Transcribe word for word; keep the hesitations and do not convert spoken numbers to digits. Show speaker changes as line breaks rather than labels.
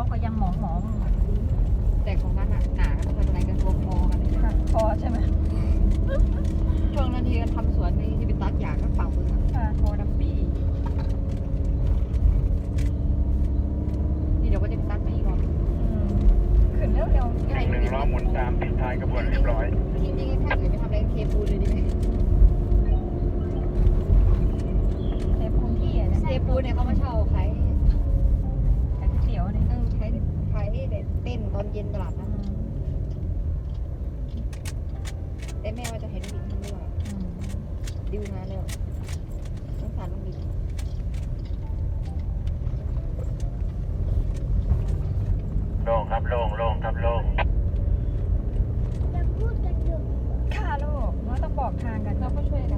ก็ยังหมองหมอง
แต่ของนั้นอ่ะหนาก็เป็นอะไรกันตัวพอกันเลย
ค่ะพอใช่ไหม
ช่วงนั้นที่ทำสวนนี่ที่ไปตัดหญ้าก็ฝั่งมือ
ค่ะพอดับบี้
นี่เดี๋ยวก็จะไปตัดมาอีกรอบ
ขึ้นเร็วเร็ว
ใช่
หนึ่งล้อหมุนตามติดท้ายกระบวนเรียบร้อย
จริงๆถ้าเกิดไปทำอะไรเคปูนเลยดีไหม
เทปูนที่อ่ะ
เคปูนเนี่ยเขามาเช่าขาย
ขายก๋วยเตี๋ยวเนี่ย
เออขายขายเต้นตอนเย็นตลาดนะแต่แม่ว่าจะเห็นบินทำด้วยดิวมาแล้วสงสารน้องบิน
โล่งครับโล่งโล่งครับโล่ง
ค่ะลูกเราต้องบอกทางกัน
เราก็ช่วยกัน